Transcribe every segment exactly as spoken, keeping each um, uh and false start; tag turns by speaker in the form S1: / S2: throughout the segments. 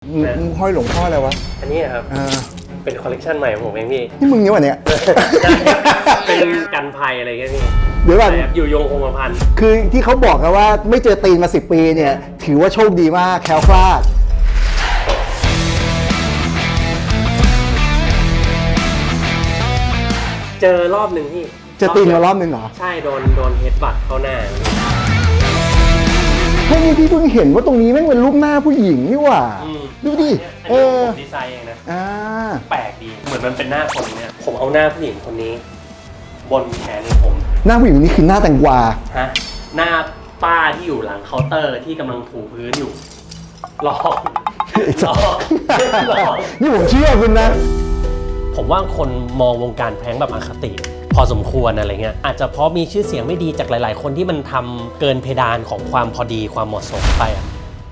S1: มึงห้อยหลวงพ่ออะไรวะ
S2: อันนี้ครับเป็นคอลเลกชันใหม่ของผมเองพี่
S1: นี่มึงเนี่ยวะเนี่ย
S2: เป็นกันภัยอะไรเงี้ยพี่
S1: เดี๋ยวก่อน
S2: อยู่ยงคงกระพัน
S1: คือที่เขาบอกกันว่าไม่เจอตีนมาสิบปีเนี่ยถือว่าโชคดีมากแคล้วคลาด
S2: เจอรอบหนึ่งพี่
S1: เจอตีนมารอบหนึ่งเหรอ
S2: ใช่โดนโดนเฮดบัตเข้าหน้า
S1: เฮ้ยนี่พี่เพิ่งเห็นว่าตรงนี้แม่งเป็นรูปหน้าผู้หญิงนี่หว่าดูดิ
S2: เออดีไซน์เองนะแปลกดีเหมือนมันเป็นหน้าคนเนี่ยผมเอาหน้าผู้หญิงคนนี้บนแขนของผม
S1: หน้าผู้หญิงนี่คือหน้าแตงกวา
S2: ฮะหน้าป้าที่อยู่หลังเคาน์เตอร์ที่กำลังถูพื้นอยู่หลอกหลอก
S1: นี่ผมเชื่อคุณนะ
S2: ผมว่าคนมองวงการแพงแบบอคติพอสมควรอะไรเงี้ยอาจจะเพราะมีชื่อเสียงไม่ดีจากหลายๆคนที่มันทำเกินเพดานของความพอดีความเหมาะสมไปอ่ะ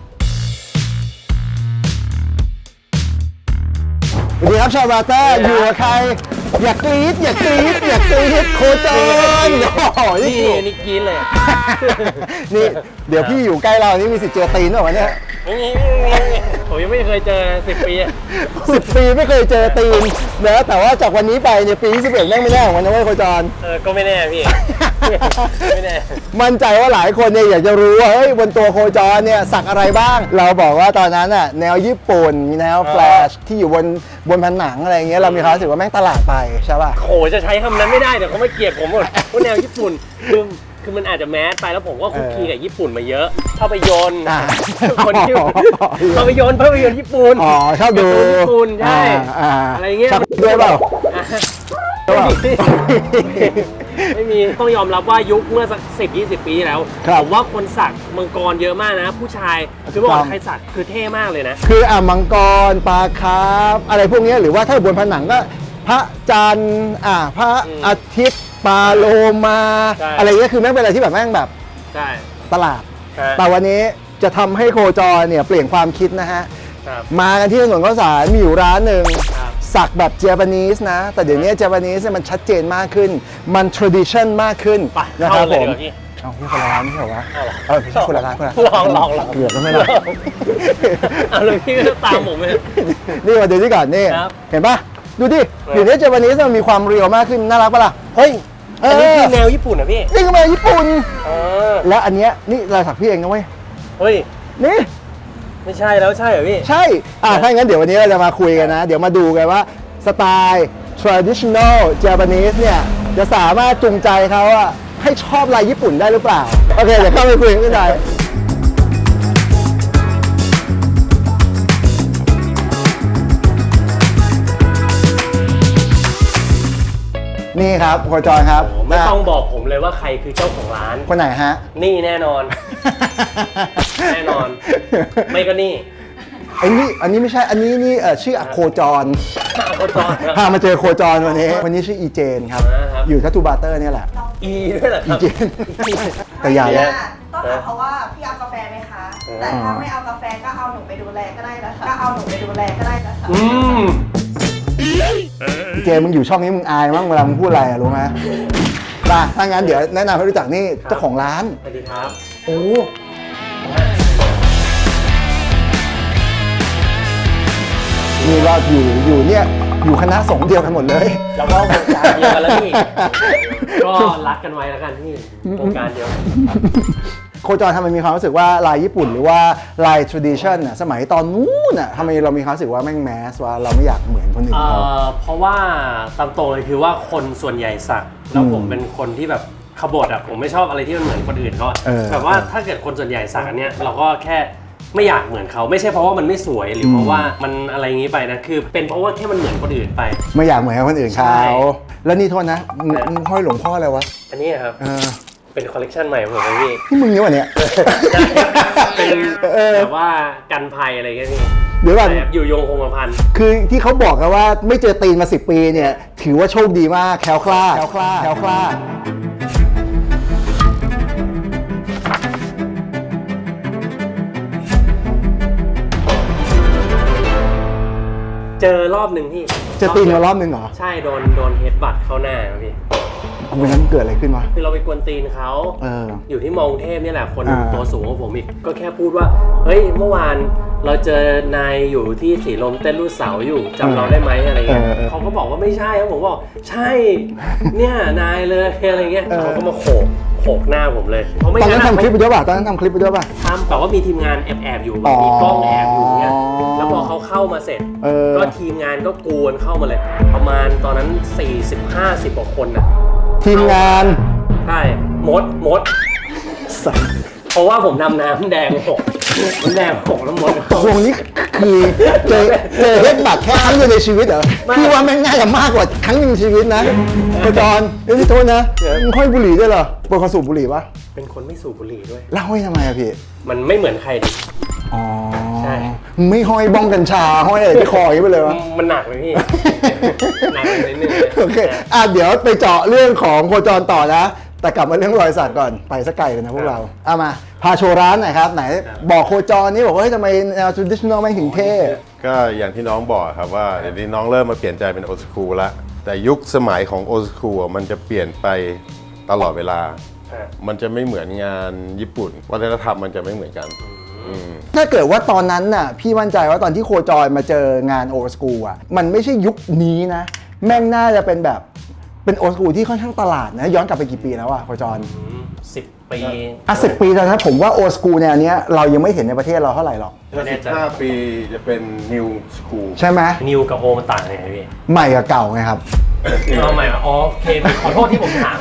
S1: สวัสดีครับชาวบาต้าอยู่กับใครอยากกรี๊ดอยากกรี๊ดอยากกรี๊ดโคจร
S2: นี่นี่กรี๊ดเลย
S1: นี่เดี๋ยวพี่อยู่ใกล้เรานี่มีสิทธิ์เจอตีนหรอวะเนี่ย
S2: ไม่มีผมยังไม่เคยเจอสิบปี
S1: สิบปีไม่เคยเจอตีนนะแต่ว่าจากวันนี้ไปเนี่ยปีที่สิบเอ็ดแม่งไม่แน่ของมันนะเว้ยโคจร
S2: เออก็ไม่แน่พี่ไม่แน่
S1: มั่นใจว่าหลายคนเนี่ยอยากจะรู้ว่าเฮ้ยบนตัวโคจรเนี่ยสักอะไรบ้างเราบอกว่าตอนนั้นอ่ะแนวญี่ปุ่นมีแนวแฟลชที่อยู่บนบนผนังอะไรเงี้ยเรามีความรู้สึกว่าแม่งตลาดไปใช่ป่ะ
S2: โหจะใช้คำนั้นไม่ได้เดี๋ยวเขาไม่เกลียดผมหมดว่าแนวญี่ปุ่นคือคือมันอาจจะแมสไปแล้วผมก็คุกคีกับญี่ปุ่นมาเยอะภาพยนตร์คนที่ภาพยนตร์ภาพยนตร์ญี่ปุ่น
S1: อ๋อชอบดู
S2: ญี่ปุ่นใช่อะไรเงี้ย
S1: ชอบด้วยเปล่า
S2: ไม่มีต้องยอมรับว่ายุคเมื่อสักสิบยี่สิบปีแล้วผมว่าคนสักมังกรเยอะมากนะผู้ชายคือว่าใครสักคือเท่มากเลยนะ
S1: คืออ่ะมังกรปลาคาร์ฟอะไรพวกนี้หรือว่าถ้าบนผนังก็พระจันทร์อ่ะพระอาทิตย์ปลาโลมาอะไรเงี้ยคือแม่งเป็นอะไรที่แบบแม่งแบบตลาดแต่วันนี้จะทำให้โคจรเนี่ยเปลี่ยนความคิดนะฮะมากันที่ถนนข้าวสารมีอยู่ร้านหนึ่งสักแบบเจแปนิสนะแต่เดี๋ยวนี้เจแปนิสมันชัดเจนมากขึ้นมัน tradition มากขึ้นนะครับผมเอาพี่คนละร้านไม่ใช่เหรอวะเออพี่คนละร้านคนละ
S2: ลองลองลอง
S1: เกือบแล้วไม่ได้
S2: เอาเลยพี่ก็ตามผมเลย
S1: นี่มาดูที่ก่อนนี่เห็นปะดูดิเดี๋ยวนี้เจแปนิสมันมีความเรียวมากขึ้นน่ารักปะล่ะ
S2: เฮ้ยอันนี้คือแนวญี่ปุ่นนะพี่
S1: นี่คือแนวญี่ปุ่นแล้วอันเนี้ยนี่ลายสักพี่เองนะเว้ย
S2: เฮ้ย
S1: นี่
S2: ไม่ใช่แล้วใช่เหรอพี่
S1: ใช่อ่ะถ้างั้นเดี๋ยววันนี้เราจะมาคุยกันนะเดี๋ยวมาดูกันว่าสไตล์ traditional Japanese เนี่ยจะสามารถจูงใจเขาอะให้ชอบลายญี่ปุ่นได้หรือเปล่าโอเคเดี๋ยวเข้าไปคุยกันได้นี่ครับโคจรครับ
S2: ไม่ต้องบอกผมเลยว่าใครคือเจ้าของร้าน
S1: คนไหนฮะ
S2: นี่แน่นอนแน่นอนไม่ก็นี่
S1: ไอ้นี่อันนี้ไม่ใช่อันนี้นี่ชื่ออโคจร
S2: โคจร
S1: พามาเจอโคจรวันนี้วันนี้ชื่ออีเจนครับอยู่ทัตทูบาเตอร์เนี่ยแหละ
S2: อีด้วยเหรอครับ
S1: อีเจนแต่ยาแล้ว
S3: ต้องถามเขาว่าพี่เอากาแฟไหมคะแต่ถ้าไม่เอากาแฟก็เอาหนูไปดูแลก็ได้นะคะก็เอาหนูไปดูแลก็ได้นะคะ
S2: อืม
S1: เจมึงอยู่ช่องนี้มึงอายมั้งเวลามึงพูดอะไรอะรู้ไหมป่ะถ้างั้นเดี๋ยวแนะนำให้รู้จักนี่เจ้าของร้าน
S2: สวัสดีครับ
S1: โอ้นี่เราอยู่อยู่เนี่ยอยู่คณะสงฆ์เดียวกันหมดเลย
S2: แล้วก็วงการเดียวกันแล้วพี่ก็รักกันไว้แล้วกันพี่วงการเดียว
S1: โคจรทำไมมีความรู้สึกว่าลายญี่ปุ่นหรือว่าลาย tradition น่ะสมัยตอนนู้นน่ะทำไมเรามีความรู้สึกว่าแม่งแมสว่าเราไม่อยากเหมือนคนอื่นเขา
S2: เพราะว่าตามตรงเลยคือว่าคนส่วนใหญ่สักแล้วผมเป็นคนที่แบบขบฏอ่ะผมไม่ชอบอะไรที่มันเหมือนคนอื่นเขาแบบว่าถ้าเกิดคนส่วนใหญ่สักอันเนี้ยเราก็แค่ไม่อยากเหมือนเขาไม่ใช่เพราะว่ามันไม่สวยหรือเพราะว่ามันอะไรอย่างนี้ไปนะคือเป็นเพราะว่าแค่มันเหมือนคนอื่นไป
S1: ไม่อยากเหมือนคนอื่นเขาแล้วนี่โทษนะมึงห้อยหลวงพ่ออะไรวะ
S2: อันนี้ครับเป็นคอลเลกชันใหม่ของผมเองพี่
S1: นี่มึงเนี่ยวะเนี่ย
S2: เป็นแบบว่ากันภัยอะไรเงี้ยพี่
S1: เดี๋ยวก่อน
S2: อยู่ยงคงกระพัน
S1: คือที่เขาบอกกันว่าไม่เจอตีนมาสิบปีเนี่ยถือว่าโชคดีมากแคล้วคลาดแคล้วคลาดแคล้วคลาด
S2: เจอรอบหนึ่งพี่
S1: เจอตีนมารอบหนึ่งเหรอ
S2: ใช่โดนโดนเฮดบัตเข้าหน้าพี่
S1: วันนั้นเกิดอะไรขึ้นวะ
S2: คือเราไปกวนตีนเขา
S1: เออ
S2: อยู่ที่มอกรุงเทพนี่แหละคน
S1: อ่า
S2: ตัวสูงกว่าผมอีกก็แค่พูดว่าเฮ้ยเมื่อวานเราเจอนายอยู่ที่สีลมเต้นรูดเสาอยู่จำเราได้ไหมอะไรเงี้ย
S1: เออเออ
S2: เขาก็บอกว่าไม่ใช่ครับผมบอกใช่เนี่ยนายเลยอะไรเงี้ย
S1: เออ
S2: เขาก็มาโขกโขกหน้าผมเลยเพราะไม่
S1: ตอนนั้น
S2: งั้
S1: ทำคลิปไปด้วยป่ะตอนนั้นทำคลิปไปด้วยป่ะ
S2: ทำแต่ว่ามีทีมงานแอบแอบๆอยู่
S1: อ๋อ
S2: มีกล้องแอบอยู่เงี้ยแล้วพอเขาเข้ามาเสร็จ
S1: เออ
S2: ก็ทีมงานก็กวนเข้ามาเลย ประมาณตอนนั้นสี่สิบห้าสิบกว่าคนน่ะ
S1: ทีมงาน
S2: ใช่มดมด
S1: สัส
S2: เพราะว่าผมทำน้ำแดงหกน้ำแดงหกแล้วมดเข้า
S1: วงนี้คือเจอเจอเฮ็ดบัตรแค่ครั้งเดียวในชีวิตเหรอ
S2: ไม่
S1: พี่ว่าแม่งง่ายกว่ามากกว่าครั้งหนึ่งในชีวิตนะโคจรเอ้ยพี่โทษนะมึงค่อยบุหรี่ด้วยเหรอปกติสูบบุหรี่ปะ
S2: เป็นคนไม่สูบบุหรี่ด้วย
S1: แล้วห้อยทำไมอะพี่
S2: มันไม่เหมือนใครดิ
S1: อ๋อ
S2: ใช่
S1: มึงไม่ห้อยบ้องกัญชาห้อยอะไรที่คออย่างนี้ไปเลยวะ
S2: มันหนักไหมพี่ หนักไปนิดนึงเลย
S1: โอเคอ่ะเดี๋ยวไปเจาะเรื่องของโคจรต่อนะ แต่กลับมาเรื่องรอยสักก่อนไปสักไกลเลยนะพวกเราเอามาพาโชว์ร้านหน่อยครับไหนบอกโคจรนี่บอกว่าเฮ้ยทำไมแนว traditional ไม่งถึงเท่
S4: ก็อย่างที่น้องบอกครับว่าเดี๋ยวนี้น้องเริ่มมาเปลี่ยนใจเป็นโอ s คูลแล้วแต่ยุคสมัยของโอ s คูลมันจะเปลี่ยนไปตลอดเวลา มันจะไม่เหมือนงานญี่ปุ่นวัฒนธรรมมันจะไม่เหมือนกันอืม
S1: ถ้าเกิดว่าตอนนั้นน่ะพี่มั่นใจว่าตอนที่โคจรมาเจองานโอ s คูลอ่ะมันไม่ใช่ยุคนี้นะ แม่งน่าจะเป็นแบบเป็นโอ s คูลที่ค่อนข้างตลาดนะย้อนกลับไปกี่ปีแล้วอะโคจร
S2: สิบปี
S1: อ่ะสิบปีแล้วนะผมว่าโอ s คูลแนวเนี้ยเรายังไม่เห็นในประเทศเราเท่าไหร่หรอก
S4: ถ้าสิบห้าปีจะเป็นนิวสคูล
S1: ใช่ไหม
S2: นิวกับโอมันต่างยังไงพี่
S1: ใหม่กับเก่าไงครับ
S2: เอาใหม่มาอ๋อโอเคขอโทษที่ผมถาม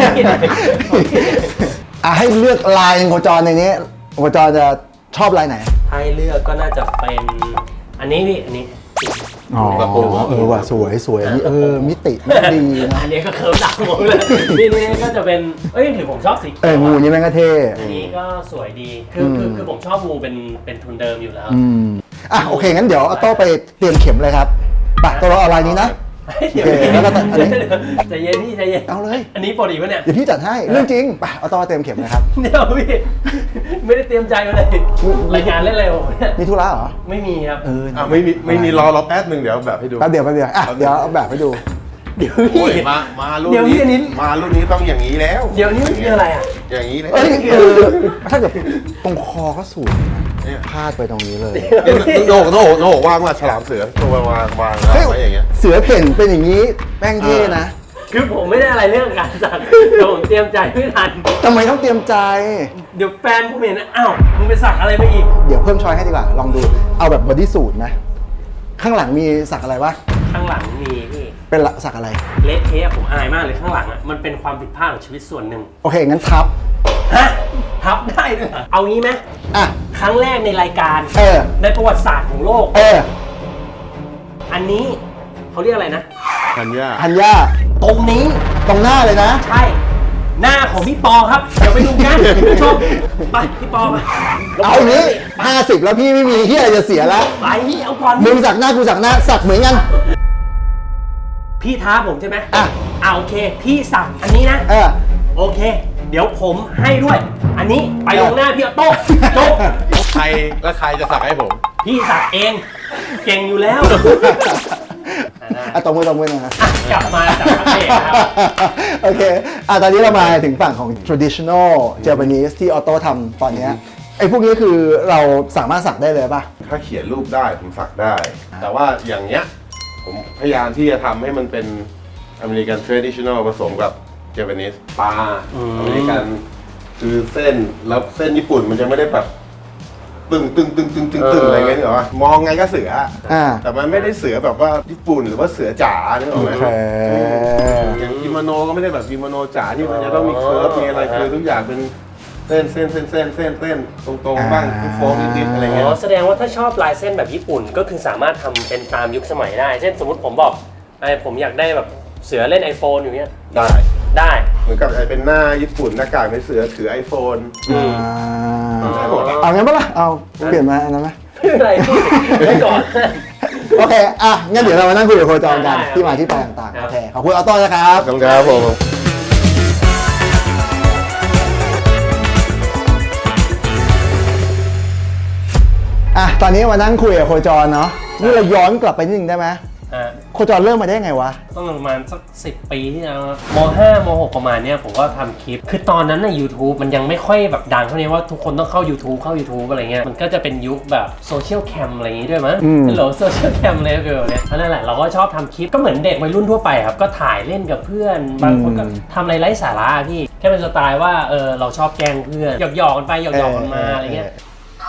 S1: อ่ะให้เลือกลายหนึ่งโคจรในนี้โคจรจะชอบลายไหน
S2: ให้เลือกก็น่าจะเป็นอันนี้พี่อันนี้
S1: อ๋อเออว่ะสวยสวยอันนี้เออมิติไม่ดีนะ
S2: อันนี้ก็เคิร์ฟดักหมดเลยนี่นี่ก็จะเป็นเอ้ยหรือผมชอบสี
S1: เอองูนี่แม่งก็เท่
S2: อันนี้ก็สวยดีคือคือคือผมชอบงูเป็นเป็นทุนเดิมอยู่แล้ว
S1: อืมอ่ะโอเคงั้นเดี๋ยวเอาโต้ไปเตรียมเข็มเลยครับไปตัวเราเอาลายนี้นะ
S2: เดี๋ยว
S1: โอเคแล้วก็ตัดอันนี้
S2: ใจเย็นพี่ใจเย็น
S1: เอาเลย
S2: อันนี้ปกติปะเนี่ย
S1: เดี๋ยวพี่จัดให้เรื่องจริงไปเอาโต้มาเตรียมเข็มเลยครับ
S2: เดี๋ยวพี่ไม่ได้เตรียมใจมาเลยรายการเล่นอะไรผมเนี่ย
S1: มีธุระเหรอ
S2: ไม่มีครับ
S1: เออ
S4: อ่ะไม่มีไม่มีรอรอแป๊บหนึ่งเดี๋ยวแบบให้ดู
S1: แป๊บเดียวแป๊บเดียวอ่ะเดี๋ยวเอาแบบให้ดู
S2: เดี๋ยว
S4: โอ้
S2: พี่
S4: ยมามารุ่น
S2: เดี๋ยวพี่อันนี้
S4: นี้มารุ่นนี้ต้องอย่างนี้แล้ว
S2: เดี๋ยวนี้มันคืออะไรอ่ะ
S4: อย่างนี้เลย
S1: เอ้ยเออถ้าเกิดตรงคอก็สวยนะพาดไปตรงนี้เลย
S4: เนี่ยโหนกโหนกโหนกว่างมาฉลามเสือตัววางวางวางไว้อย่างเงี้ย
S1: เสือเพ่นเป็นอย่างนี้แป้งเท่นะ
S2: คือผมไม่ได้อะไรเรื่องการสักแต่ผมเตรียมใจไม่ทัน
S1: ทำไมต้องเตรียมใจ
S2: เดี๋ยวแฟนผมเห็นนะอ้าวมึงไปสักอะไรมาอีก
S1: เดี๋ยวเพิ่มช้อยให้ดีกว่า ลองดู เอาแบบบอดี้สูทนะ ข้างหลังมีสักอะไรวะ
S2: ข้างหลังมีพี่
S1: เป็นละสักอะไร
S2: เละเทะผมอายมากเลยข้างหลังอ่ะมันเป็นความผิดพลาดของชีวิตส่วนหนึ่ง
S1: โอเค งั้นทับ
S2: ฮะทับได้ด้วยเหรอเอางี้ไหม
S1: อ่ะ
S2: ครั้งแรกในรายการ
S1: เออ
S2: ในประวัติศาสตร์ของโลก
S1: เออ
S2: อันนี้เขาเรียกอะไรนะ
S4: ธัญญา
S1: ธัญญา
S2: ตรงนี้
S1: ตรงหน้าเลยนะ
S2: ใช่ หน้าของพี่ปอครับ เดี๋ยวไปดูกันคุณผู้ชมไปพี่ปอมา
S1: เอาอย่างนี้ห้าสิบแล้วพี่ไม่มีที่อะไรจะเสียแล้ว
S2: ไปนี่เอาก่อน
S1: มึงสักหน้ากูสักหน้า สักเหมือนกัน
S2: พี่ท้าผมใช่ไหม
S1: อ่ะ
S2: อ่าโอเค พี่สั่งอันนี้นะ
S1: เออ
S2: โอเค เดี๋ยวผมให้ด้วย อันนี้ไปลงหน้าพี่ออโต้จบ
S4: ใครแล้วใครจะสักให้ผม
S2: พี่สักเอง เก่งอยู่แล้ว
S1: อ่ะตรงมือตรงมือหนะ
S2: อ่ะกลับมาจากพักเบรกนะครับ
S1: โอเค อ่ะตอนนี้เรามาถึงฝั่งของ traditional Japanese ที่ออโต้ทำตอนเนี้ยไอ้พวกนี้คือเราสามารถสักได้เลยป่ะ
S4: ถ้าเขียนรูปได้ผมสักได้ แต่ว่าอย่างเนี้ยผมพยายามที่จะทำให้มันเป็นอเมริกัน traditional ผสมกับเจแปนิสปลา
S2: อืม
S4: อเมริกันคือเส้นแล้วเส้นญี่ปุ่นมันจะไม่ได้แบบตึงตึงตึงตึงตึงตึงอะไรเงี้ยเหรอวะมองไงก็เสือ
S1: อ่า
S4: แต่มันไม่ได้เสือแบบว่าญี่ปุ่นหรือว่าเสือจ๋านึกออกไหม
S1: โอเค
S4: อย่างกิโมโนก็ไม่ได้แบบกิโมโนจ๋าที่มันจะต้องมีเคิร์ฟมีอะไรคือทุกอย่างเป็นเส้นเส้นเส้นเส้นเส้นเส้นตรงๆบ้างโค้งนิดๆอะไร
S2: อ๋
S4: เงี้ย
S2: อแสดงว่าถ้าชอบลายเส้นแบบญี่ปุ่นก็คือสามารถทำเป็นตามยุคสมัยได้ เช่นสมมติผมบอกไอ้ผมอยากได้แบบเสือเล่น iPhone อยู่เนี้ย
S4: ได้
S2: ได้
S4: เหมือนกับไอ้เป็นหน้าญี่ปุ่นหน้ากากในเสือถือไอโฟน
S2: อืม
S1: อ่า
S4: ได้หมดอะ
S1: เอางั้นปะล่ะ เอาเปลี่ยนมาอันนั้นไหม
S2: ไม่เป็นไรพี่ไว้ก่อน
S1: โอเค อ่ะ งั้นเดี๋ยวเรามานั่งคุยกับโคจรกัน
S2: ได้ครับ
S1: ที่มาที่ไปต่าง
S2: ครั
S1: ๆ
S2: บ
S1: โอเค ขอบคุณออโต้นะครับ
S4: ขอบคุณครับผม
S1: อ่ะ ตอนนี้มานั่งคุยกับโคจรเนาะ นี่เราย้อนกลับไปนิดนึงได้ไหม
S2: ฮะ
S1: โคจรเริ่มมาได้ไงวะ
S2: ต้องประมาณสักสิบปีที่แล้วครับมห้ามหกประมาณเนี้ยผมก็ทำคลิป คือตอนนั้นใน YouTube มันยังไม่ค่อยแบบดังเท่านี้ว่าทุกคนต้องเข้า YouTube เข้า YouTube อะไรเงี้ยมันก็จะเป็นยุคแบบโซเชียลแคมอะไรอย่างงี้ด้วยมั้ย
S1: อืม
S2: ฮัลโหลโซเชียลแคมเลยคือแบบเนี้ยนั่นแหละเราก็ชอบทำคลิปก็เหมือนเด็กวัยรุ่นทั่วไปครับก็ถ่ายเล่นกับเพื่อนบางคนก็ทำอะไรไร้สาระพี่แค่เป็นสไตล์ว่าเออเราชอบแกล้งเพื่อนหยอกๆกันไปหยอกๆกันมาอะไรเงี้ย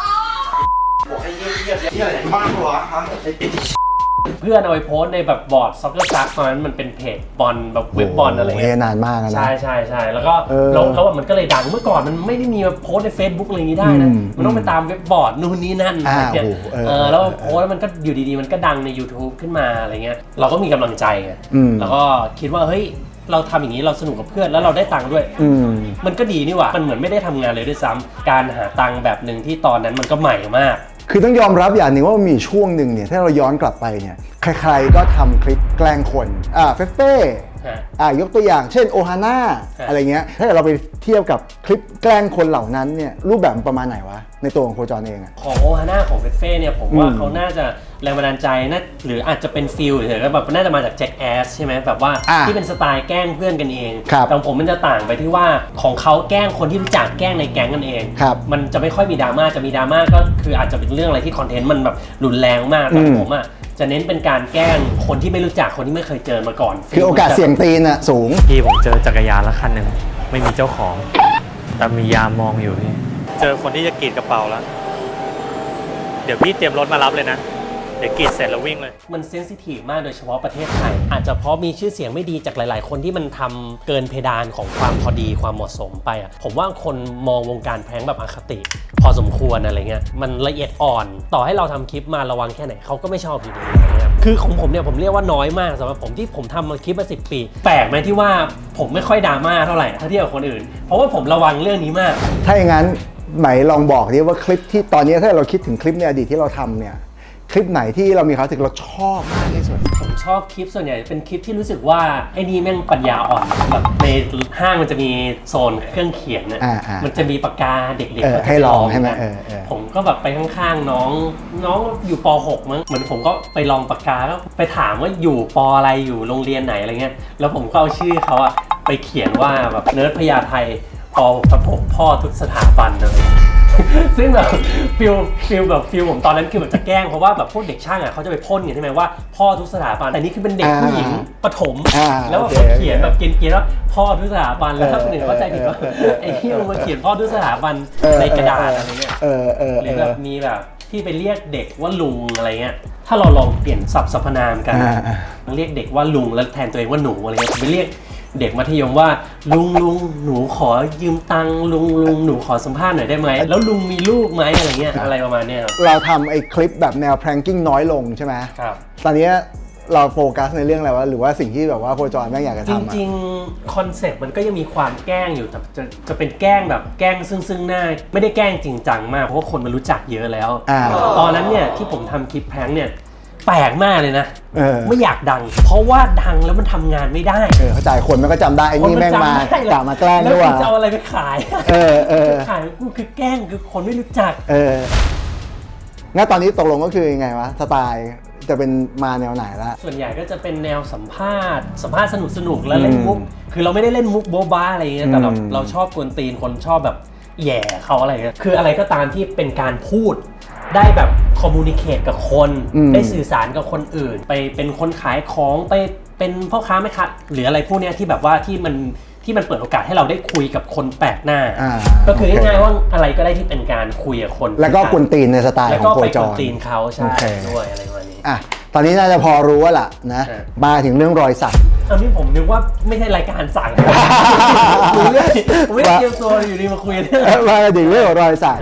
S2: เพื่อนเอาไปโพสต์ในแบบบอร์ดซ็อกเกอร์ซักตอนนั้นมันเป็นเพจบอลแบบเว็บบอลอะไร
S1: โโห
S2: เงี้ย
S1: นานมากนะ
S2: ใช่ใช่ใช่แล้วก็
S1: เออ
S2: แล้วแล้วมันก็เลยดังเมื่อก่อนมันไม่ได้มีแบบโพสต์ใน Facebook อะไรอย่างนี้ได้นะ
S1: อืม
S2: มันต้องไปตามเว็บบอร์ดนู่นนี่นั่น
S1: อ่า
S2: อะไรเงี้ย
S1: โอ้โหเออ
S2: เออแล้วโพสต์มันก็อยู่ดีๆมันก็ดังใน YouTube ขึ้นมาอะไรเงี้ยเราก็มีกำลังใจไง
S1: อืม
S2: แล้วก็คิดว่าเฮ้ยเราทำอย่างนี้เราสนุกกับเพื่อนแล้วเราได้ตังค์ด้วย
S1: อืม
S2: มันก็ดีนี่หว่ามันเหมือนไม่ได้ทำงานเลยด้วยซ้ำการหาตังค์แบบหนึ่งที่ตอนนั้นมันก็ใหม่มาก
S1: คือต้องยอมรับอย่างหนึ่งว่ามันมีช่วงหนึ่งเนี่ยถ้าเราย้อนกลับไปเนี่ยใครๆก็ทำคลิปแกล้งคนอ่าเฟเฟ่
S2: ฮะ
S1: อ่ายกตัวอย่างเช่นโอฮาน่า
S2: ฮะ
S1: อะไรเงี้ยถ้าเกิดเราไปเทียบกับคลิปแกล้งคนเหล่านั้นเนี่ยรูปแบบมันประมาณไหนวะในตัวของโคจรเองอะ
S2: ของโอฮาน่าของเฟเฟ่เนี่ยผมว่า
S1: อืม
S2: เขาน่าจะแรงบันดาลใจนะหรืออาจจะเป็นฟิลเฉยๆก็แบบน่าจะมาจากแจ็คแอสใช่ไหมแบบว่า
S1: อ่ะ
S2: ที่เป็นสไตล์แกล้งเพื่อนกันเอง
S1: ครับ
S2: แต่ของผมมันจะต่างไปที่ว่าของเขาแกล้งคนที่รู้จักแกล้งในแก๊งกันเอง
S1: ครับ
S2: มันจะไม่ค่อยมีดราม่าจะมีดราม่าก็คืออาจจะเป็นเรื่องอะไรที่คอนเทนต์มันแบบรุนแรงมากแต่
S1: อืม
S2: ผมอ่ะจะเน้นเป็นการแกล้งคนที่ไม่รู้จักคนที่ไม่เคยเจอมาก่อน
S1: คือโอกาสเสี่ยงตีนอะสูง
S5: พี่ผมเจอจักรยานละคันหนึ่งไม่มีเจ้าของ แต่มียามมองอยู่พี่เจอคนที่จะกรีดกระเป๋าแล้ว เดี๋ยวพี่เตรียมรถมารับเลยนะ เดี๋ยวกรีดเสร็จแล้ววิ่งเลย
S2: มันเซนซิทีฟมากโดยเฉพาะประเทศไทย อาจจะเพราะมีชื่อเสียงไม่ดีจากหลาย ๆ คนที่มันทำเกินเพดานของความพอดีความเหมาะสมไปอ่ะผมว่าคนมองวงการแพร้งแบบอคติ พอสมควรอะไรเงี้ยมันละเอียดอ่อน ต่อให้เราทำคลิปมาระวังแค่ไหนเขาก็ไม่ชอบอยู่ดีอะไรเงี้ยคือของผมเนี่ยผมเรียกว่าน้อยมากสำหรับผมที่ผมทำมาคลิปมาสิบปี แปลกไหมที่ว่าผมไม่ค่อยดราม่าเท่าไหร่ถ้าเทียบกับคนอื่น เพราะว่าผมระวังเรื่องนี้มาก
S1: ถ้าอย่างนั้นไหมลองบอกดิว่าคลิปที่ตอนนี้ถ้าเราคิดถึงคลิปในอดีตที่เราทำเนี่ยคลิปไหนที่เรามีความรู้สึกเราชอบมากที่สุด
S2: ผมชอบคลิปส่วนใหญ่เป็นคลิปที่รู้สึกว่าไอ้นี่แม่งปัญญาอ่อนแบบในห้างมันจะมีโซนเครื่องเขียนเนี่ย
S1: อ่าอ่า
S2: มันจะมีปากกาเด็กๆ
S1: เออ
S2: เขาจะ
S1: ให้ลอง
S2: ป
S1: ใช่ไหม
S2: กัน
S1: เออเออ
S2: ผมก็แบบไปข้างๆน้องน้องอยู่ป หกมั้งเหมือนผมก็ไปลองปากกาแล้วไปถามว่าอยู่ปอะไรอยู่โรงเรียนไหนอะไรเงี้ยแล้วผมก็เอาชื่อเขาอะไปเขียนว่าแบบเนิร์ดพญาไทปประพพ่อทุกสถาบันอะไร ซึ่งแบบฟิลฟิลแบบฟิลผมตอนนั้นคือแบบจะแกล้งเพราะว่าแบบพวกเด็กช่างอ่ะเขาจะไปพ่นกันใช่ไหมว่าพ่อทุกสถาบันแต่นี่คือเป็นเด็กผู้หญิงประถม
S1: อ่า
S2: แล้วแบบ
S1: โอเค
S2: เขาเขียนแบบเกรียนๆว่าพ่อทุกสถาบันแล้วถ้าคนอื่นเข้าใจผิดว่า
S1: เออเออเออ
S2: ไอ้ที่มึงมาเขียนพ่อทุกสถาบันในกระดาษอะไรเงี้ย
S1: เออเออ
S2: ห
S1: เอ
S2: รือ
S1: อ
S2: แบบมีแบบที่ไปเรียกเด็กว่าลุงอะไรเงี้ยถ้าเราลองเปลี่ยนศัพท์สรรพนามกัน
S1: อ่าอ่า
S2: เรียกเด็กว่าลุงแล้วแทนตัวเองว่าหนูอะไรเงี้ยไปเรียกเด็กมัธยมว่าลุงลุงหนูขอยืมตังค์ลุงลุงหนูขอสัมภาษณ์หน่อยได้ไหมแล้วลุงมีลูกไหมอะไรเงี้ยอะไรประมาณเนี้ยครับ
S1: เราทำไอ้คลิปแบบแนว pranking น้อยลงใช่ไหม
S2: ครับ
S1: ตอนนี้เราโฟกัสในเรื่องอะไรวะหรือว่าสิ่งที่แบบว่าโคจรแม่งอยากจะ
S2: จ
S1: ทำอะ
S2: ริงๆคอนเซ็ปต์มันก็ยังมีความแกล้งอยู่แต่จะจะเป็นแกล้งแบบแกล้งซึ่งซึ่งหน้าไม่ได้แกล้งจริงจังมากเพราะว่าคนมันรู้จักเยอะแล้ว
S1: อ่า
S2: ตอนนั้นเนี่ยที่ผมทำคลิปแพร้งเนี่ยแปลกมากเลยนะ
S1: เออ
S2: ไม่อยากดัง เพราะว่าดังแล้วมันทำงานไม่ได้
S1: เออเข้าใจคนมันก็จำได้ไอ้นี่แม่งมา
S2: คนนจำได้เลย
S1: กะมาแกล้ง
S2: แล้ว
S1: ด้วย
S2: กู
S1: ว่ะ
S2: จะเอาอะไรไปขาย
S1: เออเออ
S2: ขายกูคือแกล้งคือคนไม่รู้จัก
S1: เอองั้นตอนนี้ตกลงก็คือยังไงวะสไตล์จะเป็นมาแนวไหนละ
S2: ส่วนใหญ่ก็จะเป็นแนวสัมภาษณ์สัมภาษณ์สนุกสนุกๆแล้วเล่น
S1: อืม
S2: มุกคือเราไม่ได้เล่นมุกโบ๊ะบ้าอะไรอย่างเงี้ยแต่เรา
S1: อืม
S2: เราชอบกวนตีนคนชอบแบบแหย่เขาอะไรเงี้ยคืออะไรก็ตามที่เป็นการพูดได้แบบคอมมูนิเคตกับคน
S1: อืม
S2: ได้สื่อสารกับคนอื่น ไปเป็นคนขายของไปเป็นพ่อค้าแม่ค้าหรืออะไรพวกเนี้ยที่แบบว่าที่มันที่มันเปิดโอกาสให้เราได้คุยกับคนแปลกหน้า
S1: อ่า
S2: ก็คือ
S1: โอเค
S2: ง่ายๆว่าอะไรก็ได้ที่เป็นการคุยกับคน
S1: แล้วก็กวนตีนในสไตล์
S2: แล้ว
S1: ขอ
S2: ก็
S1: งโค
S2: ไป
S1: จ
S2: กวน
S1: ร
S2: ตีนเขาใช่
S1: โอเค
S2: ด้วยอะไรประมาณนี้
S1: อ่ะตอนนี้น่าจะพอรู้ว่าล่ะนะ
S2: เออ
S1: มาถึงเรื่องรอยสัก
S2: อันนี้ผมนึกว่าไม่ใช่รายการสั่ง คุยเรื่องผมไม่ได้เตรียมตัวอยู่ดีมาคุยเรื่อง
S1: มาถึงเรื่องของรอยสัก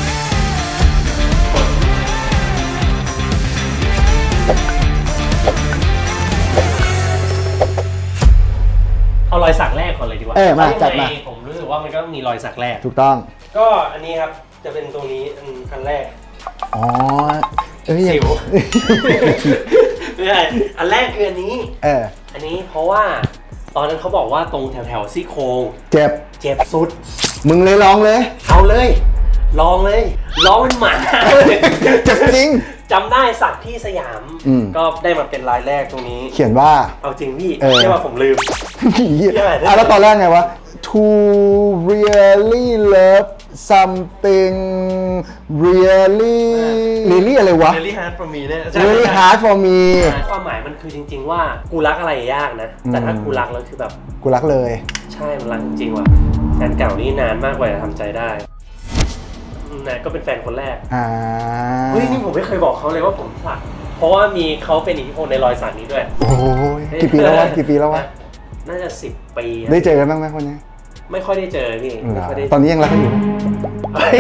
S2: เอารอยสักแรกก่อนเลยดีกว่า
S1: เออมา
S2: พระยังไง
S1: จัดมา
S2: ผมรู้สึกว่ามันก็ต้องมีรอยสักแรก
S1: ถูกต้อง
S2: ก็อันนี้ครับจะเป็นตรงนี้อันอันแรก
S1: อ๋อเอ้ย
S2: สิว ไม่ใช่อันแรกคืออันนี้
S1: เออ
S2: อันนี้เพราะว่าตอนนั้นเขาบอกว่าตรงแถวแถวๆซี่โครง
S1: เจ็บ
S2: เจ็บสุด
S1: มึงเลยลองเลย
S2: เอาเลย ลองเลยลองเป็นหมา
S1: เจ็บจริง
S2: จำได้สักที่สยาม
S1: อืม
S2: ก็ได้มาเป็นลายแรกตรงนี้
S1: เขียนว่า
S2: เอาจริงพี่
S1: เออ
S2: เรียกว่าผมลืม
S1: อ่ะแล้วตอนแรกไงวะ to really love something really really อะไรวะ
S2: really hard for me เนี่ย
S1: really hard for me
S2: ความหมายมันคือจริงๆว่ากูรักอะไรยากนะ แต่ถ้ากูรักแล้วคือแบบ
S1: กูรักเลย
S2: ใช่มันรักจริงๆว่ะแฟนเก่านี่นานมากกว่าจะทำใจได้นะก็เป็นแฟนคนแรก
S1: อ่า
S2: เฮ้ยนี่ผมไม่เคยบอกเขาเลยว่าผมสักเพราะว่ามีเขาเป็นอิทธิพลในรอยสักนี้ด้วย
S1: โอ้ยกี่ปีแล้ววะกี่ปีแล้ววะ
S2: น่าจะสิบปี
S1: ได้เจอกันบ้างไหมคนนี้
S2: ไม่ค่อยได้เจอพี่ไม่ค่อยได้
S1: ตอนนี้ยังรักกันอยู่
S2: เฮ้ย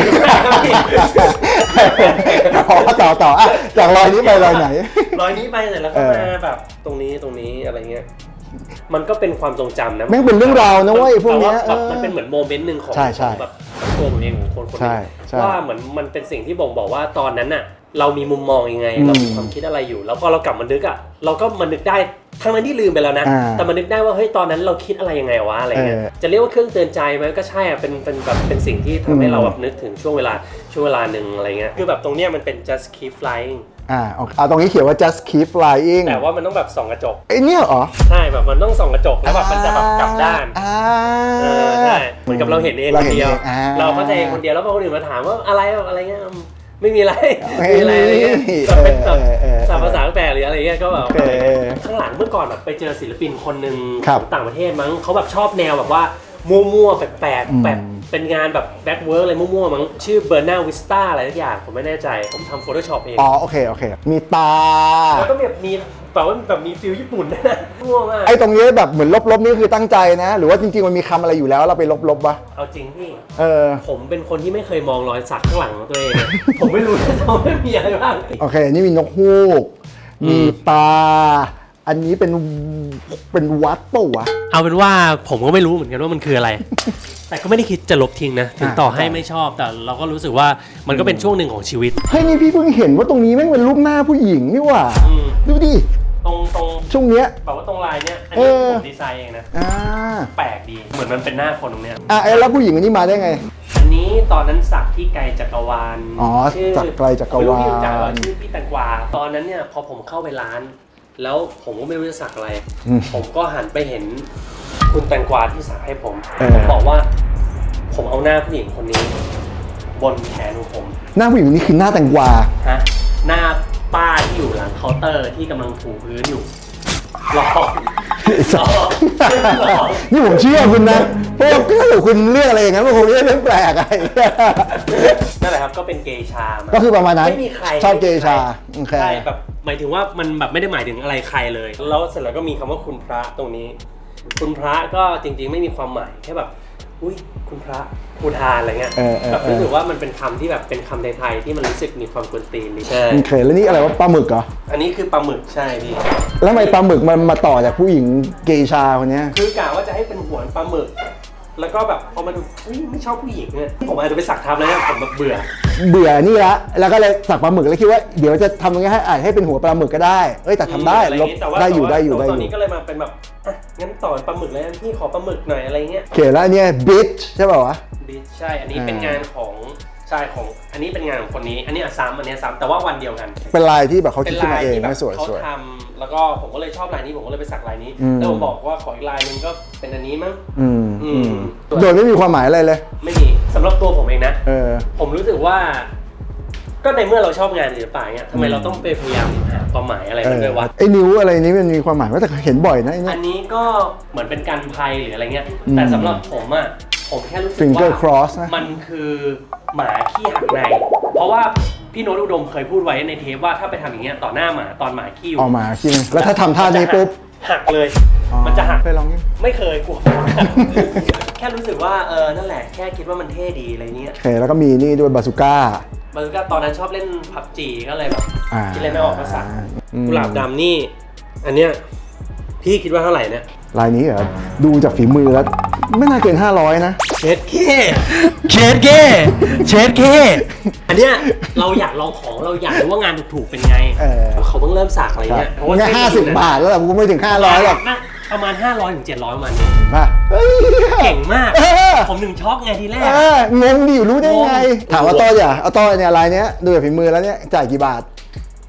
S1: ต่อต่อต่ออ่ะจากรอยนี้ไปรอยไหน
S2: รอยนี้ไปเสร็จแล้วก็มาแบบตรงนี้ตรงนี้อะไรเงี้ยมันก็เป็นความทรงจำนะ
S1: แม่งเป็นเรื่องราวนะเว้ยพวกเนี้ย
S2: แบบมันเป็นเหมือนโมเมนต์หนึ่งของ
S1: ใช่ใช่
S2: ของแบบตัวผมเองของคนคน
S1: ใช่
S2: นึง
S1: ใช่
S2: ว่าเหมือนมันเป็นสิ่งที่บ่งบอกว่าตอนนั้นน่ะเรามีมุมมองยังไง
S1: อืม
S2: เรามีความคิดอะไรอยู่ แล้วพอเรากลับมานึกอ่ะเราก็มานึกได้ทั้งนั้นที่ลืมไปแล้วนะ
S1: อ่า
S2: แต่มานึกได้ว่าเฮ้ยตอนนั้นเราคิดอะไรยังไงวะอะไรเงี้ย
S1: เออ
S2: จะเรียกว่าเครื่องเตือนใจไหมก็ใช่อ่ะเป็นเป็นแบบเป็นสิ่งที่ทำให้เราแบบนึกถึงช่วงเวลาช่วงเวลาหนึ่งอะไรเงี้ยคือแบบตรงเนี้ยมันเป็น just keep flying
S1: อ่าโอเคเอาตรงนี้เขียนว่า just keep flying
S2: แต่ว่ามันต้องแบบส่องกระจก
S1: ไอ้เนี่ยเหรอ
S2: ใช่แบบมันต้องส่องกระจกแล้วแบบมันจะแบบกลับด้าน
S1: อ่า
S2: เออใช่เหมือนกับเราเห็นเองคนเดียว
S1: เราเห็นเองอ่า
S2: เราเข้าใจเองคนเดียวแล้วพอคนอื่นมาถามว่าอะไรแบบอะไรเงี้ยอืมไม่มีอะไร
S1: ไม่
S2: มีอะไรอะไรเงี้ย
S1: มี
S2: แบบเป็นแบบ
S1: เออเออเออ
S2: สามภาษาแปลหรืออะไรเงี้ยก็แบบ
S1: โอเค
S2: ข้างหลังเมื่อก่อนแบบไปเจอศิลปินคนหนึ่ง
S1: ครับ
S2: ของต่างประเทศมั้งเขาแบบชอบแนวแบบว่ามั่วๆแปลก
S1: อืม
S2: ๆแบบเป็นงานแบบแบ็คเวิร์กอะไรมั่วๆมั้งชื่อเบอร์นาวิสตาอะไรทุกอย่างผมไม่แน่ใจผมทำ Photoshop เอง
S1: อ๋อโอเคโอเค มีตา
S2: แล้วก็แบบมีแบบว่าแบบมีฟิลญี่ปุ่นด้วยนะมั่วมาก
S1: ไอ้ตรงนี้แบบเหมือนลบๆนี่คือตั้งใจนะ หรือว่าจริงๆมันมีคำอะไรอยู่แล้วเราไปลบๆวะ
S2: เอาจริงพี่
S1: เออ
S2: ผมเป็นคนที่ไม่เคยมองรอยสักข้างหลังของตัวเอง ผมไม่รู้เลยว่ามันมีอะไรบ้าง
S1: โอเคนี่มีนกฮูก
S2: อืม
S1: มีตา อันนี้เป็นเป็นวัดปะวะ
S2: เอาเป็นว่าผมก็ไม่รู้เหมือนกันว่ามันคืออะไร แต่ก็ไม่ได้คิดจะลบทิ้งนะ ถึงต่อให้ไม่ชอบ แต่เราก็รู้สึกว่ามันก็เป็นช่วงหนึ่งของชีวิต
S1: เฮ้ยนี่พี่เพิ่งเห็นว่าตรงนี้แม่งเป็นรูปหน้าผู้หญิงนี่หว่า
S2: อืม
S1: ดูดิ
S2: ตรงตรง
S1: ช่วงเนี้ย
S2: แบบว่าตรงลายเนี้ยอัน
S1: เอ
S2: นี้
S1: อ
S2: ผมดีไซน์เองนะ
S1: อ่า
S2: แปลกดี เหมือนมันเป็นหน้าคนตรงเนี้ย
S1: อ่ะไอ้แล้วผู้หญิงคนนี้มาได้ไง
S2: อันนี้ตอนนั้นสักที่ไกลจักรวาล
S1: อ๋อ
S2: ชื่
S1: สักไกลจักรวาล
S2: ไม่รู้พี่รู้จักว่าชื่อพี่แตงกวาตอนนั้นเนี่ยพอผมเข้าไปร้าน แล้วผมก็ไม่รู้จะสักอะไร
S1: อืม
S2: ผมก็หันไปเห็นคุณแตงกวาที่สักให้ผม
S1: เออ
S2: ผมบอกว่า ผมเอาหน้าผู้หญิงคนนี้ บนแขนของผม
S1: หน้าผู้หญิงคนนี้คือหน้าแตงกวา
S2: ฮะหน้าป้าที่อยู่หลังเคาน์เตอร์ที่กำลังถูพื้นอยู่หลอกหลอกหลอก
S1: นี่ผมเชื่อคุณนะ เพราะว่าถ้าเกิดคุณเรื่องอะไรอย่างนั้นมันคงไม่ใช่เรื่องแปลกอะไร
S2: นั่นแหละครับก็เป็นเกย์ชามา
S1: ก็คือประมาณนั้น
S2: ไม่มีใคร
S1: ชอบเกย์ชาโอเค
S2: ใช่แบบหมายถึงว่ามันแบบไม่ได้หมายถึงอะไรใครเลย แล้วเสร็จแล้วก็มีคำว่าคุณพระตรงนี้ คุณพระก็จริงๆไม่มีความหมายแค่แบบอุ้ยคุณพระภูทานอะไรเงี้ย
S1: เออเออ
S2: แบบ
S1: เออ
S2: รู้สึกว่ามันเป็นคำที่แบบเป็นคำไทยๆที่มันรู้สึกมีความกวนตีนดีใช่
S1: โอเคแล้วนี่อะไรวะปลาหมึกเหรอ
S2: อันนี้คือปลาหมึกใช่พี่
S1: แล้วทำไมปลาหมึกมันมาต่อจากผู้หญิงเกย์ชาคนเนี้ย
S2: คือกะว่าจะให้เป็นหัวปลาหมึก แล้วก็แบบพอมาดูเฮ้ยไม่ชอบผู้หญิงเนี่ยผมอาจจะไปสักทำแล้วเนี่ยผมแบบเบื่อ
S1: เบื่อนี่ละแล้วก็เลยสักปลาหมึกแล้วคิดว่าเดี๋ยวจะทำยังไงให้อาจให้เป็นหัวปลาหมึกก็ได้เอ้ยแต่ทำได้
S2: อะไร
S1: ลบ
S2: งี้แต่ว่า
S1: ได้อยู่
S2: แต่ว่า
S1: ได้อยู่ได้อ
S2: ตอน
S1: ยู่
S2: นี้ก็เลยมาเป็นแบบอ่ะงั้นต่อปลาหมึกเลยพี่ขอปลาหมึกหน่อยอะไรเงี้ย
S1: โอเคแล้วอันเนี้ยบิชใช่ป่าวะ
S2: บิใช่อันนี้
S1: อ่า
S2: เป็นงานของใช่ของอันนี้เป็นงานของคนนี้ อันนี้อ่ะซ้ำอันนี้ซ้ำแต่ว่าวันเดียวกัน
S1: เป็นลายที่แบบเขา
S2: เป็
S1: คิด
S2: น
S1: ขึ้น
S2: ลาย
S1: มาเอง
S2: ที่แบบ
S1: ไม่สวย
S2: เขา
S1: สวย
S2: ทำแล้วก็ผมก็เลยชอบลายนี้ผมก็เลยไปสักลายนี้
S1: อืม
S2: แล้วผมบอกว่าขออีกลายหนึงก็เป็นอันนี้มั้ง
S1: อืม
S2: อื
S1: อื
S2: ม
S1: มโดยไม่มีความหมายอะไรเลย
S2: ไม่มีสำหรับตัวผมเองนะ
S1: เออ
S2: ผมรู้สึกว่า ก็ในเมื่อเราชอบงานศิลปะเนี่ยทำไมเราต้องไปพยายามหาความหมายอะไร
S1: เอ
S2: มัน
S1: อ
S2: ด้วยวะ
S1: ไอ้นิ้วอะไรนี้มันมีความหมายว่าแต่เห็นบ่อยนะไอ้
S2: อั
S1: เนี่ย
S2: นนี้ก็เหมือนเป็นการภัยหรืออะไรเงี้ย
S1: อืม
S2: แต่สำหรับผมอ่ะผมแค่รู้สึก
S1: Finger
S2: ว่า
S1: cross นะ
S2: มันคือหมาขี้หักใน เพราะว่าพี่โน้ตอุดมเคยพูดไว้ในเทปว่าถ้าไปทำอย่างเงี้ยต่อหน้าหมาตอนหมาขี้อยู่
S1: ออกมาคิดไหมแล้วถ้าทำท่านี้ปุ๊บ
S2: หักเลย
S1: อ๋อ
S2: มันจะหัก
S1: เคยลองยัง
S2: ไม่เคยกลัว แค่รู้สึกว่าเออนั่นแหละแค่คิดว่ามันเท่ดีอะไรเงี้ย
S1: โอเคแล้วก็มีนี่ด้วยบาซูก้า
S2: มันก็ตอนนั้นชอบเล่นพับจีก็เลยแบบ
S1: อ่า
S2: คิดอะไรไม่ออกก็สั่ง
S1: อืม
S2: กุหลาบดำนี่ อันเนี้ยพี่คิดว่าเท่าไหร่เนี่ย
S1: ลายนี้เหรอดูจากฝีมือแล้ว ไม่น่าเกินห้าร้อยนะ
S2: เชดเคเชดเคเชดเคอันเนี้ยเราอยากลองของเราอยากรู้ว่างานถูกๆเป็นไง
S1: เออ
S2: เขาเพิ่งเริ่มสักอะไรเงี้ยเพราะว่า
S1: งั้นห้าสิบบาทแล้วแหละกูไม่ถึงห้าร้อยหรอก
S2: น่าประมาณห้าร้อยถึงเจ็ดร้อยประมาณนี้
S1: ป่ะเฮ้ย
S2: เก่งมาก
S1: เออ
S2: ผมถึงช็อกไงทีแรก
S1: เอองงดิรู้ได้ไง
S2: งง
S1: ถามว่าต้ออย่าเอาต้อเนี่ยลายเนี้ยดูจากฝีมือแล้วเนี่ยจ่ายกี่บาท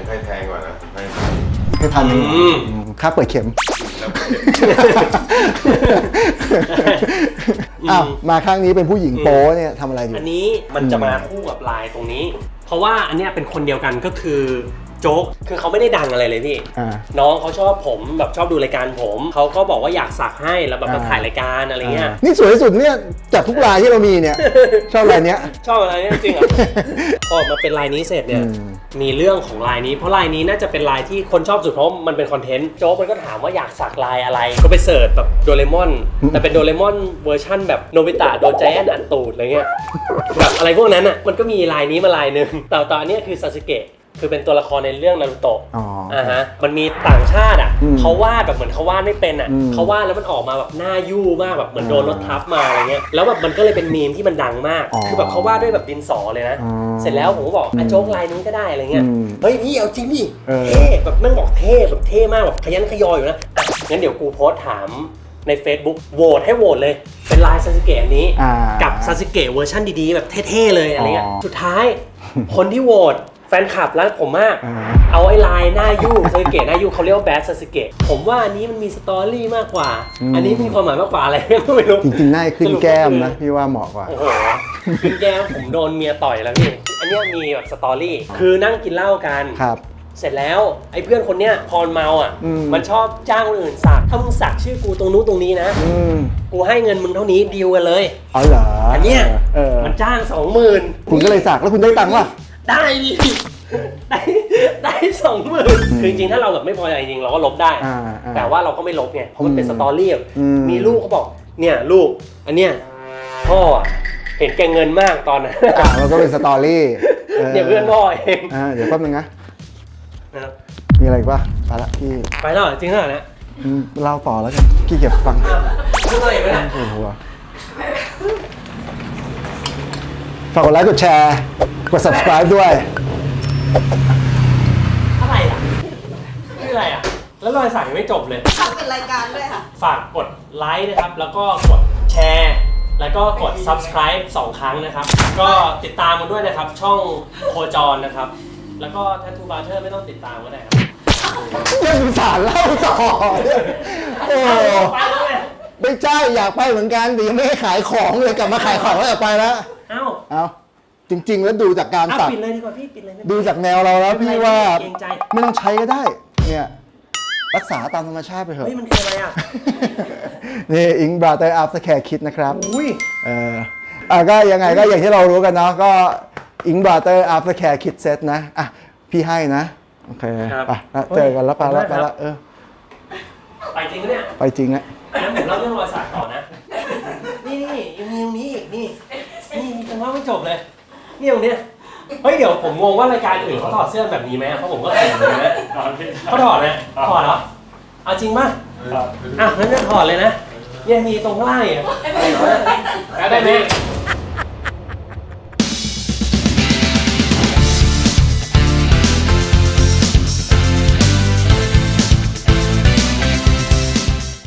S4: ให้แพงกว่านะให้
S1: ให้พันหนึ่ง
S2: อืม
S1: อืมค่าเปิดเข็ม
S4: แล้ว
S1: อ้าวมาครั้งนี้เป็นผู้หญิงโป๊เนี่ยทำอะไรอยู่
S2: อันนี้มันจะมาคู่กับลายตรงนี้ เพราะว่าอันเนี้ยเป็นคนเดียวกันก็คือโจ๊กคือเขาไม่ได้ดังอะไรเลยพี่
S1: อ่า
S2: น้องเขาชอบผมแบบชอบดูรายการผมเขาก็บอกว่าอยากสักให้แล้วแบบมา
S1: อ่า
S2: ถ่ายรายการอะไรเงี้ย
S1: นี่สวยที่สุดเนี่ยจากทุกลายที่เรามีเนี่ย ชอบลายเนี้ย
S2: ชอบอะไรเนี่ยจริงเหรอ พอมาเป็นลายนี้เสร็จเนี่ย
S1: อืม
S2: มีเรื่องของลายนี้เพราะลายนี้น่าจะเป็นลายที่คนชอบสุดเพราะมันเป็นคอนเทนต์โจ๊กมันก็ถามว่าอยากสักลายอะไรก็ไปเสิร์ชแบบโดเรมอนแต่เป็นโดเรมอนเวอร์ชั่นแบบโนบิตะโดนใจแอนอัดตูดอะไรเงี้ยแบบอะไรพวกนั้นอ่ะมันก็มีลายนี้มาลายหนึ่งแต่ตอนนี้คือซาสึเกะคือเป็นตัวละครในเรื่องนารูโตะ
S1: อ๋อ
S2: อ่าฮะมันมีต่างชาติอ่ะ
S1: อืม
S2: เขาวาดแบบเหมือนเขาวาดไม่เป็นอ่ะ
S1: อืม
S2: เขาวาดแล้วมันออกมาแบบหน้ายู่มากแบบเหมือนโดนรถทับมาอะไรเงี้ยแล้วแบบมันก็เลยเป็นมีมที่มันดังมาก
S1: อ๋อ
S2: คือแบบเขาวาดด้วยแบบดินสอเลยนะ
S1: อ๋อ
S2: เสร็จแล้วผมก็บอกอ่ะโจ๊กลายนี้ก็ได้อะไรเงี้ย
S1: อืม
S2: เฮ้ยพี่เอาจริงดิ
S1: เออ
S2: เท่แบบแม่งบอกเท่แบบเท่มากแบบขยันขยออยู่นะอ่ะงั้นเดี๋ยวกูโพสต์ถามใน Facebook โหวตให้โหวตเลยเป็นลายซาสึเกะอันนี้
S1: อ่า
S2: กับซาสึเกะเวอร์ชันดีๆแบบเท่ๆเลยอะไรเงี้ย
S1: อ๋อ
S2: สุดท้าย คนที่โหวตแฟนคลับรักผมมาก
S1: อ่า
S2: เอาไอ้ลายหน้ายู่ซาสึเกะหน้ายู่เขาเรียกว่าแบดซาสึเกะผมว่าอันนี้มันมีสตอรี่มากกว่า อันนี้มีความหมายมากกว่าอะไรก็ไม่รู้
S1: จริงๆหน้าขึ้นแก้มนะพี่ว่าเหมาะกว่า
S2: โอ้โหขึ้นแก้มผมโดนเมียต่อยแล้วพี่อันเนี้ยมีแบบสตอรี่คือนั่งกินเหล้ากัน
S1: ครับ
S2: เสร็จแล้วไอ้เพื่อนคนเนี้ยพอเมาอ่ะ
S1: อืม
S2: มันชอบจ้างคนอื่นสักถ้ามึงสักชื่อกูตรงนู้นตรงนี้นะ
S1: อืม
S2: กูให้เงินมึงเท่านี้ดีลกันเลย
S1: อ๋อเหรอ
S2: อั
S1: อั
S2: นเนี้ย
S1: เออ
S2: มันจ้างสองหมื่น
S1: คุณก็เลยสักแล้วคุณได้ตังค์ป่ะ
S2: ได้ดิได้ได้สองหมื่นคือจริงๆถ้าเราแบบไม่พอใจจริงๆเราก็ลบได้
S1: อ่าอ่า
S2: แต่ว่าเราก็ไม่ลบไงเพราะมันเป็น
S1: อืม
S2: สตอรี่แบบ
S1: อืม
S2: มีลูกเขาบอกเนี่ยลูกอันเนี้ยพ่ออะเห็นแกเงินมากตอนนั้น
S1: อ่ะมันก็เป็นสตอรี่
S2: เนี่ยเพื่อนพ่อเอง
S1: อ่าเดี๋ยวแป๊บนึงนะ
S2: นะครับ
S1: มีอะไรอีกป่ะไปละพี่
S2: ไปแล้วเหรอจริงเหรอเนี่ย
S1: อืมเล่าต่อแล้วกันพี่เก็บฟัง
S2: พูดอะไรอีกไหมเนี่ย
S1: โอ้โหฝากกดไลค์กดแชร์ กด subscribe ด้วย
S2: อะไรอ่ะนี่อะไรอ่ะแล้วรอยสักยังไม่จบเลย
S3: ทำเป็นรายการด้วยค่ะ
S2: ฝากกดไลค์นะครับ แล้วก็กดแชร์ แล้วก็กด subscribe สองครั้งนะครับ ก็ติดตามกันด้วยนะครับ ช่องโคจรนะครับ แล้วก็ Tattoo Barter ไม่ต้องติดตามก็ได้ครับ
S1: ยังสารเล่าต่อเนี่ยโอ้
S2: ไปแล้วไง
S1: ไม่ใช่อยากไปเหมือนกันแต่ยังไม่ให้ขายของเลยกลับมาขายของแล้วอยากไปแล้ว
S2: เอ้า
S1: เอาจริง ๆ แล้วดูจากการ
S2: เอา
S1: สัก
S2: ปิดเลยดีกว่าพี่ปิดเลยไม่
S1: ดูจากแนวเราแล้วพี่ว่า
S2: เกรงใจ
S1: ไม่ต้องใช้ก็ได้ เนี่ย รักษาตามธรรมชาติไปเถอะ
S2: เฮ้ยมันคืออะไรอ่ะ
S1: นี่อิงบราเตอร์อัพสแคร์คิดนะครับ
S2: อุ้ย
S1: เอออ่ะก็ยังไงก็อย่างที่เรารู้กันเนาะก็อิงบราเตอร์อัพสแคร์คิดเซตนะ อ่ะ พี่ให้นะ โอเค
S2: ครับ
S1: ไปแล้วเจอกันแล้วไปแล้วไป
S2: ขอบคุณมาก
S1: แล้วเออ
S2: ไปจริงปะเนี่ย
S1: ไปจริงอะ
S2: งั้นผมเล่าเรื่องรอยสักต่อนะ นี่นี่ยังมีตรงนี้อีกนี่ นี่ยังเล่าไม่จบเลย นี่ตรงเนี้ยเฮ้ยเดี๋ยวผมงงว่ารายการอื่นเขาถอดเสื้อแบบนี้ไหมเพราะผมก็ถอดเหมือนกันนะเขาถอดไหมถอดเหรอ เอาจริงป่ะอ่ะงั้นจะถอดเลยนะเนี่ยมีตรงข้างล่างอ่ะได้ไหม